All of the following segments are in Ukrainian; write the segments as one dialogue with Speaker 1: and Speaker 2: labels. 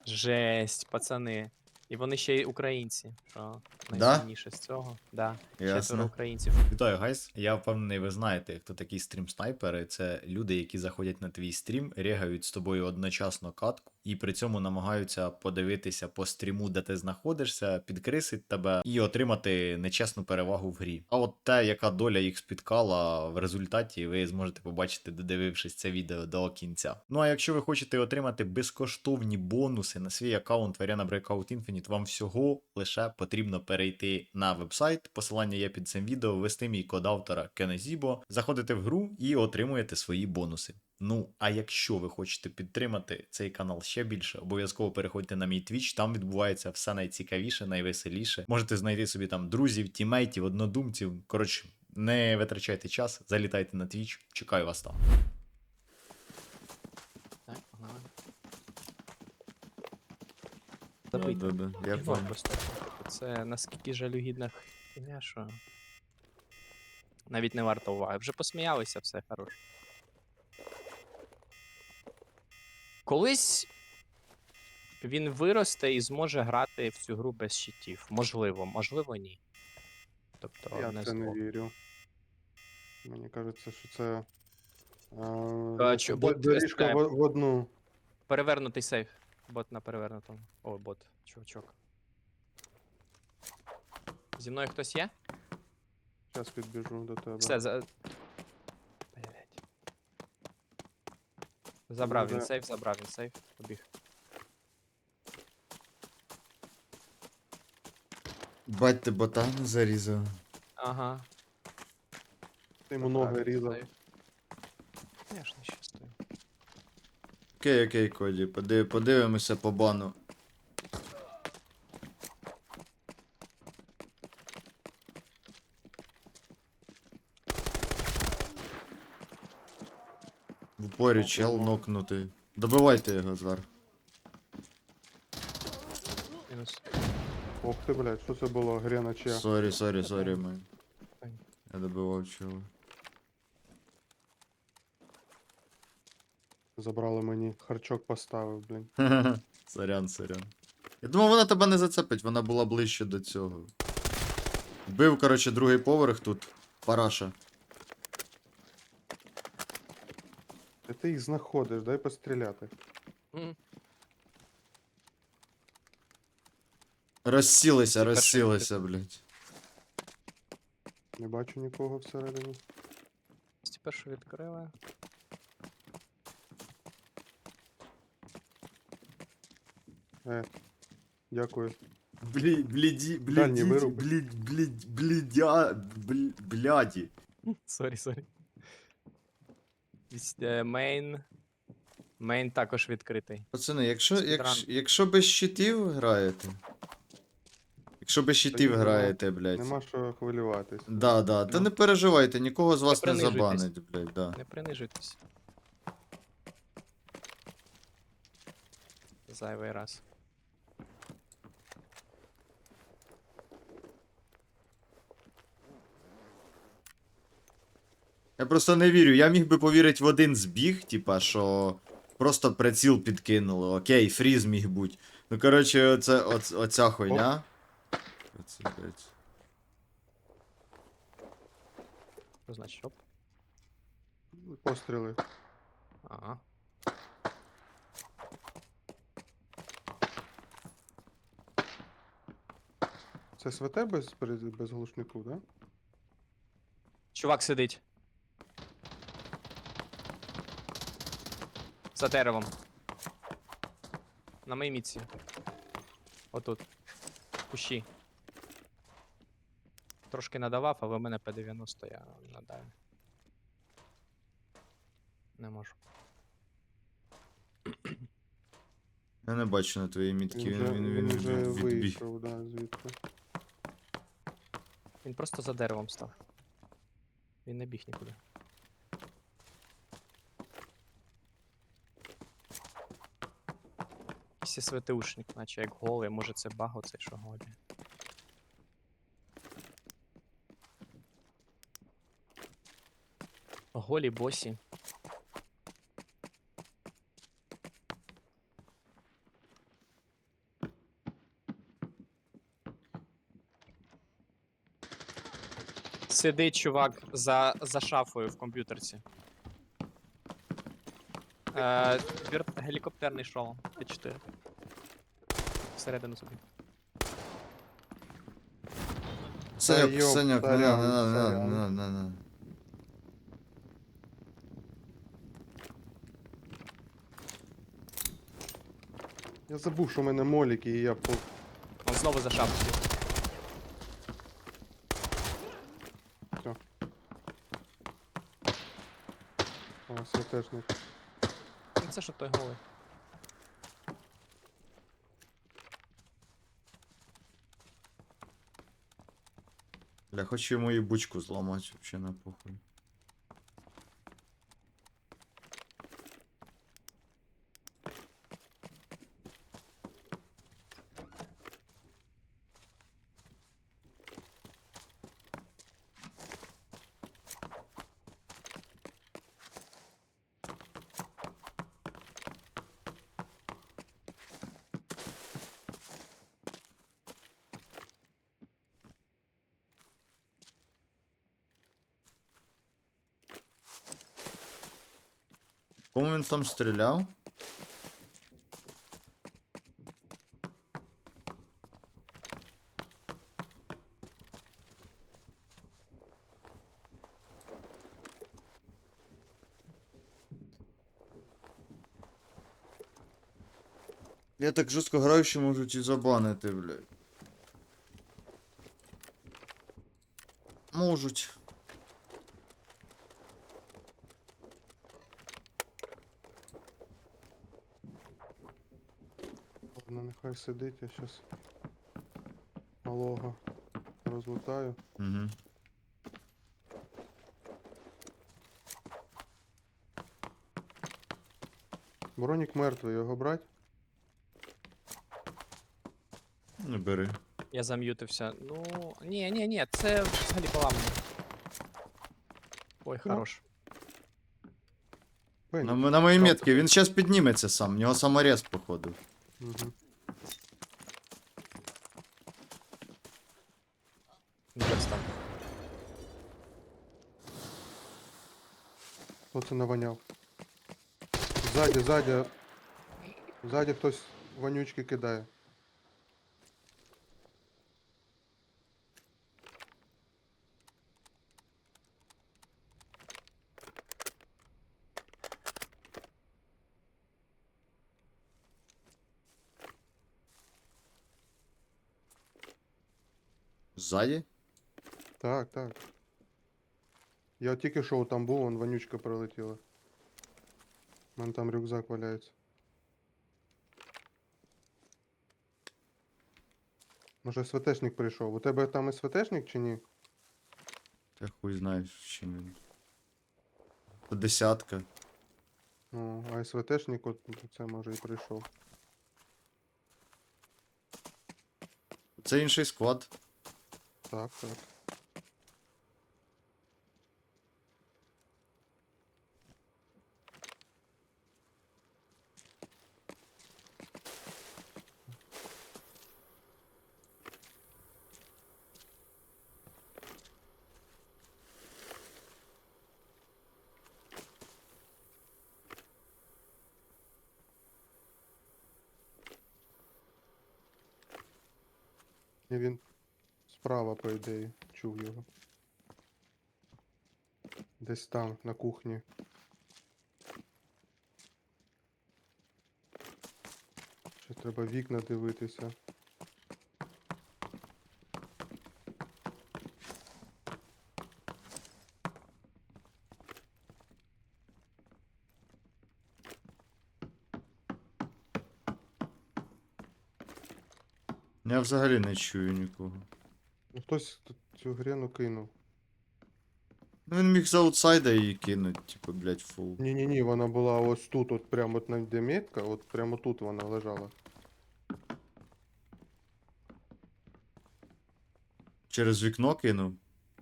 Speaker 1: Жесть, пацани. І вони ще й українці, що
Speaker 2: Да?
Speaker 1: найсумніше з цього. Да, 4
Speaker 2: Ясно.
Speaker 1: українців.
Speaker 2: Вітаю, гайс. Я впевнений, ви знаєте, хто такі стрім-снайпери. Це люди, які заходять на твій стрім, регають з тобою одночасно катку, і при цьому намагаються подивитися по стріму, де ти знаходишся, підкрисить тебе і отримати нечесну перевагу в грі. А от те, яка доля їх спіткала в результаті, ви зможете побачити, додивившись це відео до кінця. Ну а якщо ви хочете отримати безкоштовні бонуси на свій аккаунт в Arena Breakout Infinite, вам всього лише потрібно перейти на вебсайт. Посилання є під цим відео, ввести мій код автора Kenezіbo, заходите в гру і отримуєте свої бонуси. Ну, а якщо ви хочете підтримати цей канал ще більше, обов'язково переходьте на мій Twitch, там відбувається все найцікавіше, найвеселіше. Можете знайти собі там друзів, тімейтів, однодумців. Коротше, не витрачайте час, залітайте на Twitch, чекаю вас там.
Speaker 1: Так, погнали. Забийте.
Speaker 2: Я
Speaker 1: Ігнор просто. Це наскільки жалюгідна хуйня, що навіть не варто уваги. Вже посміялися, все хорош. Колись він виросте і зможе грати в цю гру без щитів. Можливо, можливо, ні. Тобто,
Speaker 3: Я
Speaker 1: не
Speaker 3: в це не
Speaker 1: зло.
Speaker 3: вірю. Мені кажеться, що це
Speaker 1: бот
Speaker 3: доріжка
Speaker 1: виступає.
Speaker 3: в одну.
Speaker 1: Перевернутий сейф. Бот на перевернутому. О, бот, чувачок. Зі мною хтось є?
Speaker 3: Зараз підбіжу до тебе.
Speaker 1: Все, Блять. Забрав він сейф, побіг.
Speaker 2: Бать, ти ботану зарізав.
Speaker 1: Ага.
Speaker 3: Ти йому ноги різав.
Speaker 1: Конечно, щастую.
Speaker 2: Окей, Коді, подивимося по бану. В упорі чел нокнутий. Добивайте його зараз.
Speaker 1: Мінус.
Speaker 3: Ох ти, блядь, що це було? Грена чи?
Speaker 2: Сорі, май.
Speaker 1: Ой.
Speaker 2: Я добивав чого.
Speaker 3: Забрали мені. Харчок поставив, блін.
Speaker 2: Сорян. Я думав, вона тебе не зацепить, вона була ближче до цього. Вбив, коротше, другий поверх тут. Параша.
Speaker 3: Де ти їх знаходиш? Дай постріляти.
Speaker 1: М.
Speaker 2: Розсілися, блядь.
Speaker 3: Не бачу нікого всередині.
Speaker 1: Першу відкрили.
Speaker 3: Дякую.
Speaker 2: Бляді.
Speaker 3: вируби.
Speaker 1: Сорі. Мейн. Мейн також відкритий.
Speaker 2: Пацани,
Speaker 1: Спідран.
Speaker 2: якщо без щитів граєте. Якщо без щитів
Speaker 3: нема-
Speaker 2: граєте, блядь.
Speaker 3: Нема що хвилюватись.
Speaker 2: Да, та
Speaker 1: Ну.
Speaker 2: не переживайте, нікого з вас не
Speaker 1: принижуйтесь.
Speaker 2: забанить, блядь, да.
Speaker 1: Не принижуйтесь. Зайвий раз.
Speaker 2: Я просто не вірю. Я міг би повірити в один збіг, типа, що просто приціл підкинули. Окей, фріз міг бути. Ну, коротше, оця хуйня. Оце, блядь.
Speaker 1: Що значить оп?
Speaker 3: Постріли.
Speaker 1: Ага.
Speaker 3: Це СВТ без глушнику, да?
Speaker 1: Чувак сидить. За деревом. На моїй мітці. Отут. В кущі. Трошки надавав, але в мене П-90 я надаю. Не можу.
Speaker 2: Я не бачу на твоїй мітки, він
Speaker 3: вже
Speaker 2: відбіг.
Speaker 3: вийшов, да, звідти.
Speaker 1: Він просто за деревом став. Він не біг нікуди. Якийсь СВТУшник, наче як голий, може це баг оцей, що голий. Голі босі. Сидить чувак за шафою в комп'ютерці. Гелікоптерний шолом. Т4. Всередину собі.
Speaker 2: Саньок,
Speaker 3: йоп,
Speaker 2: Саньок, не
Speaker 3: сорян,
Speaker 2: надо, не надо,
Speaker 3: сорян.
Speaker 2: не надо, не надо.
Speaker 3: Я забув, що в мене моліки, і я по...
Speaker 1: Он знову за шафою.
Speaker 3: О, святешник.
Speaker 1: Ну це що той голий.
Speaker 2: Бля, хочу йому і бучку зламати, вообще на похуй. Кому він там стріляв? Я так жорстко граю, що можуть і забанити, блядь. Можуть.
Speaker 3: Ладно, нехай сидить, я щас малого розлутаю.
Speaker 2: Угу.
Speaker 3: Бронік мертвий, його брать?
Speaker 2: Не бери.
Speaker 1: Я зам'ютився. Ну. Ні, це взагалі поламано. Ой,
Speaker 3: Ну.
Speaker 1: хорош.
Speaker 3: Бенні.
Speaker 2: На моїй метці, він зараз підніметься сам, в нього саморез, походу.
Speaker 3: Угу.
Speaker 1: Десь там.
Speaker 3: Хто це наваняв? Ззаді, ззаді. Ззаді хтось вонючки кидає.
Speaker 2: Ззаді?
Speaker 3: Так, так. Я тільки що там був, вон вонючка прилетіла. У мене там рюкзак валяється. Може СВТшник прийшов. У тебе там СВТшник чи ні?
Speaker 2: Та хуй знає, чим він. По десятка.
Speaker 3: О, а СВТшник от це може і прийшов.
Speaker 2: Це інший склад.
Speaker 3: Так, так. І він справа, по ідеї, чув його. Десь там, на кухні. Ще треба вікна дивитися.
Speaker 2: Я взагалі не чую нікого.
Speaker 3: Ну, хтось тут цю грену кинув.
Speaker 2: Ну він міг з аутсайда її кинуть, типу, блядь, фул.
Speaker 3: Ні-ні-ні, вона була ось тут, от прямо от на де метка, от прямо тут вона лежала.
Speaker 2: Через вікно кинув.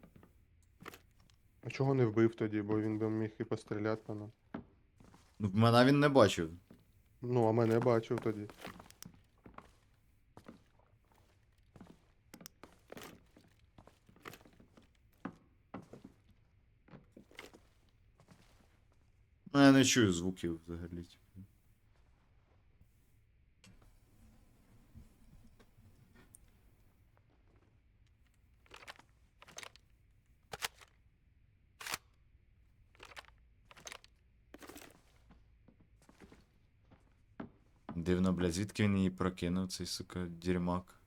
Speaker 3: А чого не вбив тоді, бо він би міг і постріляти по нам.
Speaker 2: Ну, мене він не бачив.
Speaker 3: Ну, а мене бачив тоді.
Speaker 2: Ну, я не чую звуків взагалі. Дивно, блядь, звідки він її прокинув, цей, сука, дерьмак.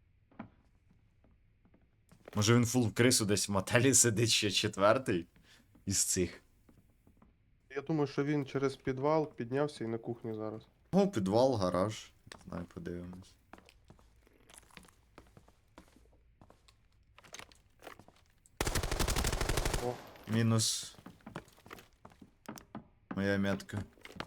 Speaker 2: Може він фул в крису десь в мотелі сидить ще четвертий із цих.
Speaker 3: Я думаю, що він через підвал піднявся і на кухні зараз.
Speaker 2: О, підвал, гараж. Не знаю, подивимось.
Speaker 3: О.
Speaker 2: Мінус. Моя метка.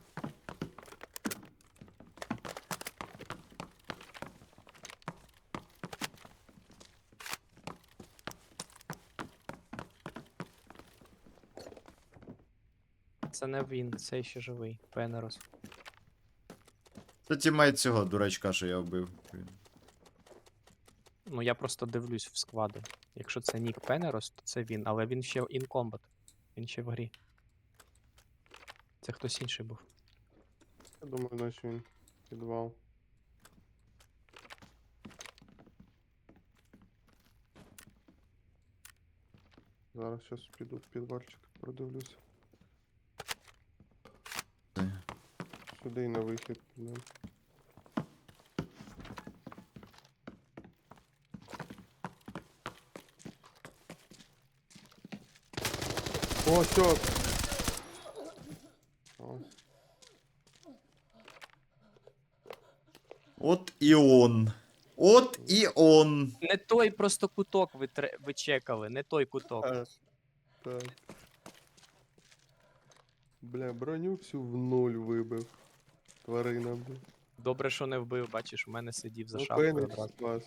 Speaker 1: Це не він, це ще живий. Пенерос.
Speaker 2: Це тімейт цього дурачка, що я вбив.
Speaker 1: Ну я просто дивлюсь в склади. Якщо це Нік Пенерос, то це він, але він ще in combat. Він ще в грі. Це хтось інший був.
Speaker 3: Я думаю, наче він підвал. Зараз щас піду в підвальчик, продивлюся. Сюди і на вихід підемо. О, все! Ось.
Speaker 2: От і он. От і он.
Speaker 1: Не той просто куток ви чекали, не той куток.
Speaker 3: Так. Бля, броню всю в нуль вибив. Тварина, бля.
Speaker 1: Добре, що не вбив, бачиш, у мене сидів за
Speaker 3: Ну,
Speaker 1: шапкою
Speaker 3: Фенікс
Speaker 1: одразу.
Speaker 3: спас.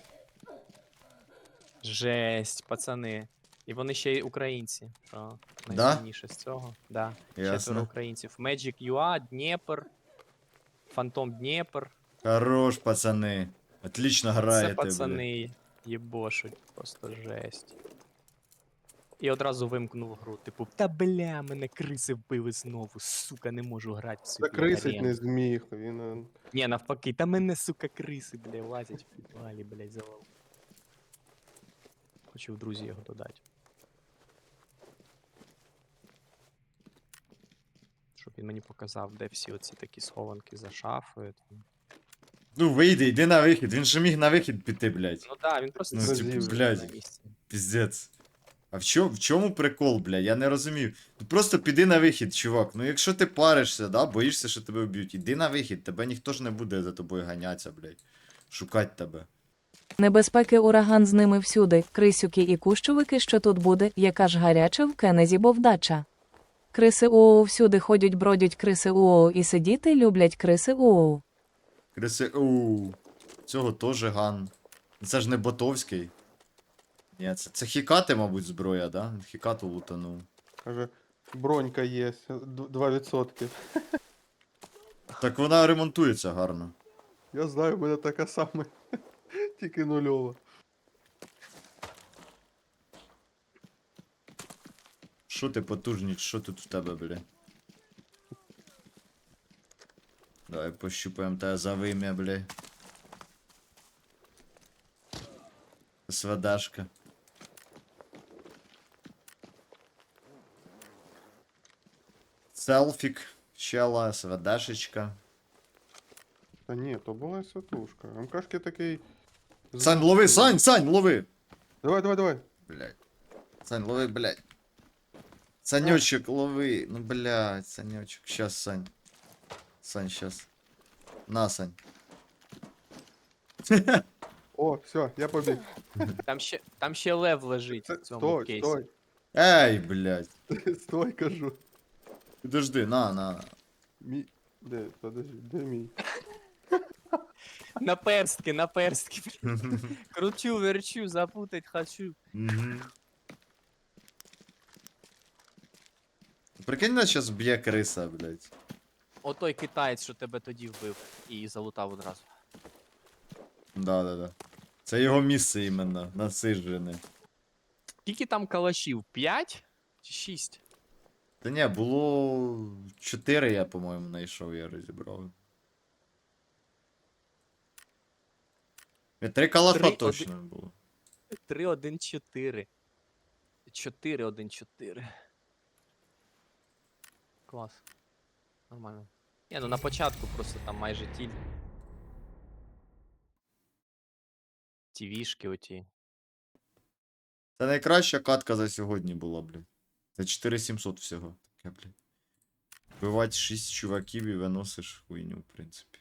Speaker 1: Жесть, пацани. І вони ще й українці, що
Speaker 2: Да?
Speaker 1: найсильніше з цього. Да. Четверо
Speaker 2: Ясно.
Speaker 1: українців. Magic UA, Дніпр, Фантом Дніпр.
Speaker 2: Хорош, пацани. Отлично граєте,
Speaker 1: Це
Speaker 2: бля.
Speaker 1: пацани єбошуть, просто жесть. І одразу вимкнув гру. Типу, та бля, мене криси вбили знову, сука, не можу грати в цю
Speaker 3: Закрисить
Speaker 1: арену.
Speaker 3: не зміг, він...
Speaker 1: Ні, навпаки, та мене, сука, криси, бля, лазять в підвалі, блядь, завал. Хочу в друзі його додати. Щоб він мені показав, де всі оці такі схованки за шафою. Там.
Speaker 2: Ну вийди, йди на вихід. Він же міг на вихід піти, блядь.
Speaker 1: Ну да, він просто
Speaker 2: Ну,
Speaker 1: сидів
Speaker 3: типу,
Speaker 1: собі
Speaker 2: блядь.
Speaker 1: на місці.
Speaker 2: Піздець. А в чому прикол, бля? Я не розумію. Ну просто піди на вихід, чувак. Ну якщо ти паришся, да, боїшся, що тебе вб'ють, іди на вихід, тебе ніхто ж не буде за тобою ганятися, блядь. Шукать тебе.
Speaker 4: Небезпеки ураган з ними всюди, крисюки і кущовики, що тут буде, яка ж гаряча в Кенезі бовдача. Криси уоу всюди ходять, бродять криси уоу і сидіти люблять криси уоу.
Speaker 2: Криси, оу. Цього теж ган. Це ж не ботовський. Ні, це хікати, мабуть, зброя, да? Хікату лутанув.
Speaker 3: Каже, бронька є, 2%.
Speaker 2: Так вона ремонтується гарно.
Speaker 3: Я знаю, в мене така сама, тільки нульова.
Speaker 2: Що ти потужніч, що тут в тебе, бля? Давай пощупаємо тебе за вим'я, бля. СВДшка. Селфік, чела, СВДшечка.
Speaker 3: Та ні, то була святушка. МКшки такий...
Speaker 2: Сань, лови, Сань, лови!
Speaker 3: Давай.
Speaker 2: Блядь. Сань, лови, блядь. Санечек, лови. Ну, блядь, Санечек. Сейчас, Сань. Сань, сейчас. На, Сань.
Speaker 3: О, все, я побіг.
Speaker 1: Там ще лев лежить в цьому
Speaker 3: Стой,
Speaker 1: кейсі.
Speaker 3: стой,
Speaker 2: Ей, блядь.
Speaker 3: стой, кажу.
Speaker 2: Подожди, на.
Speaker 3: Мій... Де, подожди, де мій?
Speaker 1: На перстки. Кручу, верчу, запутать хочу.
Speaker 2: Мгм. Прикинь, нас сейчас б'є криса, блядь.
Speaker 1: Отой китаєць, що тебе тоді вбив і залутав одразу.
Speaker 2: Да. Це його місце іменно, насиджене.
Speaker 1: Скільки там калашів? 5 чи 6?
Speaker 2: Та ні, було 4, я, по-моєму, знайшов, я розібрав. 3 калаша
Speaker 1: 3-1.
Speaker 2: точно було.
Speaker 1: 3-1-4. 4-1-4. Клас. Нормально. Ні, ну на початку просто там майже тіль. Тівішки оті.
Speaker 2: Це найкраща катка за сьогодні була, блін. Це 4700 всього. Таке, блін. Вбивати 6 чуваків і виносиш хуйню, в принципі.